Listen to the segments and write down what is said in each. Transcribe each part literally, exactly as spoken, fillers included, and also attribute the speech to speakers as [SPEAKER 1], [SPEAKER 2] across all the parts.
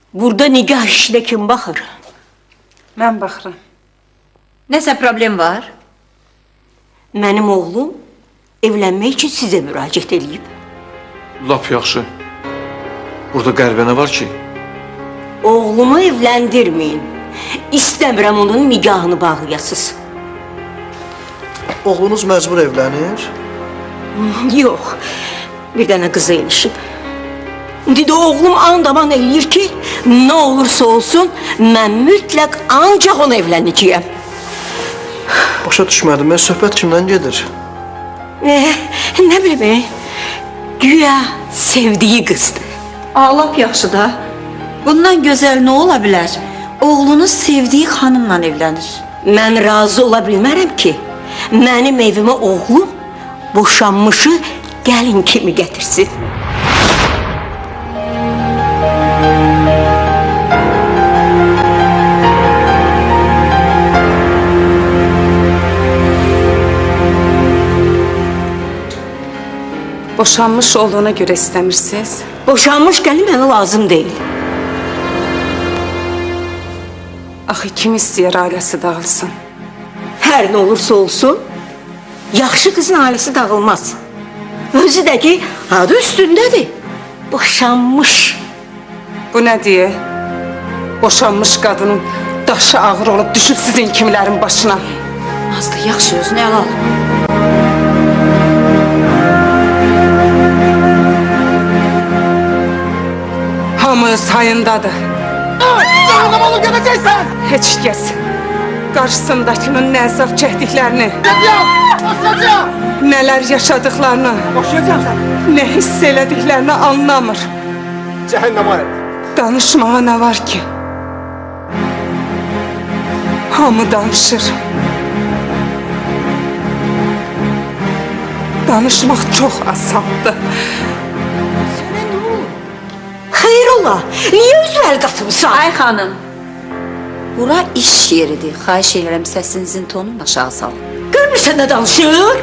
[SPEAKER 1] Burada nikah işine kim baxır?
[SPEAKER 2] Mən baxıram.
[SPEAKER 3] Nəsə problem var?
[SPEAKER 1] Mənim oğlum evlənmək üçün sizə müraciət edib.
[SPEAKER 4] Lap yaxşı. Burada qəribə nə var ki?
[SPEAKER 1] Oğlumu evləndirməyin. İstəmirəm onun nikahını bağlayasınız.
[SPEAKER 5] Oğlunuz məcbur evlənir?
[SPEAKER 1] Yox, bir dənə qıza ilişib. İndi də oğlum andaman eləyir ki, nə olursa olsun, mən mütləq ancaq ona evlənəcəyəm.
[SPEAKER 5] Başa düşmədim, mən söhbət kimdən gedir?
[SPEAKER 1] Eh, nə bilim, güya sevdiyi qızdır.
[SPEAKER 3] Ağlap yaxşı da. Bundan gözəl nə ola bilər? Oğlunuz sevdiyi xanımla evlənir.
[SPEAKER 1] Mən razı ola bilmərəm ki, mənim evimə oğlum boşanmışı gəlin kimi gətirsin.
[SPEAKER 2] Boşanmış olduğuna görə istəmirsiniz?
[SPEAKER 1] Boşanmış gəlin mənə lazım deyil.
[SPEAKER 2] Axı kim istəyir ailəsi dağılsın?
[SPEAKER 1] Hər nə olursa olsun, yaxşı qızın ailəsi dağılmaz. Özü də ki, adı üstündədir. Boşanmış.
[SPEAKER 2] Bu nə deyə? Boşanmış qadının daşı ağır olub düşüb sizin kimilərin başına.
[SPEAKER 3] Nazlı, yaxşı özünü əl al.
[SPEAKER 2] Hamı öz hayındadır.
[SPEAKER 6] Canım oğlum gedeceksen!
[SPEAKER 2] Heç kəs qarşısındakının nə əzab çəkdiklərini,
[SPEAKER 6] Gideceğim! Boşayacağım!
[SPEAKER 2] nələr yaşadıklarını,
[SPEAKER 6] Boşayacağım sen!
[SPEAKER 2] nə hiss elədiklərini anlamır.
[SPEAKER 6] Cehenneme et!
[SPEAKER 2] Danışmağa nə var ki? Hamı danışır. Danışmaq çox asandır.
[SPEAKER 1] Xeyr ola, niyə özü əl qatımsan?
[SPEAKER 3] Ay xanım, bura iş yeridir. Xahiş edirəm səsinizin tonunu aşağı salın.
[SPEAKER 1] Görmürsən nə danışır?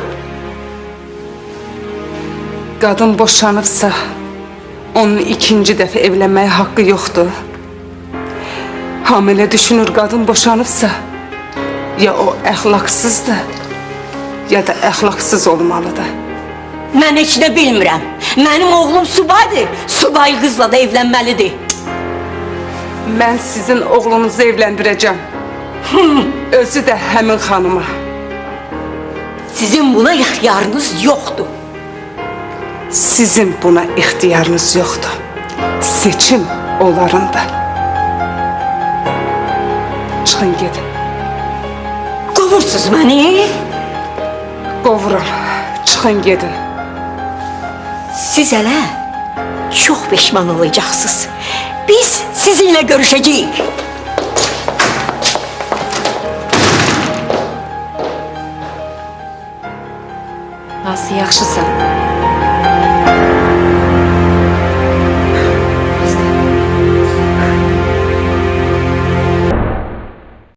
[SPEAKER 2] Qadın boşanıbsa, onun ikinci dəfə evlənməyə haqqı yoxdur. Hamilə düşünür qadın boşanıbsa, ya o əxlaqsızdır, ya da əxlaqsız olmalıdır.
[SPEAKER 1] Mən heç nə bilmirəm. Mənim oğlum subaydır, subay qızla da evlənməlidir.
[SPEAKER 2] Mən sizin oğlunuzu evləndirəcəm. Özü də həmin xanıma.
[SPEAKER 1] Sizin buna ixtiyarınız yoxdur.
[SPEAKER 2] Sizin buna ixtiyarınız yoxdur. Seçim onlarındır. Çıxın gedin.
[SPEAKER 1] Qovursuz məni.
[SPEAKER 2] Qovuram. Çıxın gedin.
[SPEAKER 1] Siz hələ çox peşman olacaqsınız. Biz sizinlə görüşəcəyik.
[SPEAKER 3] Nazlı, yaxşısan.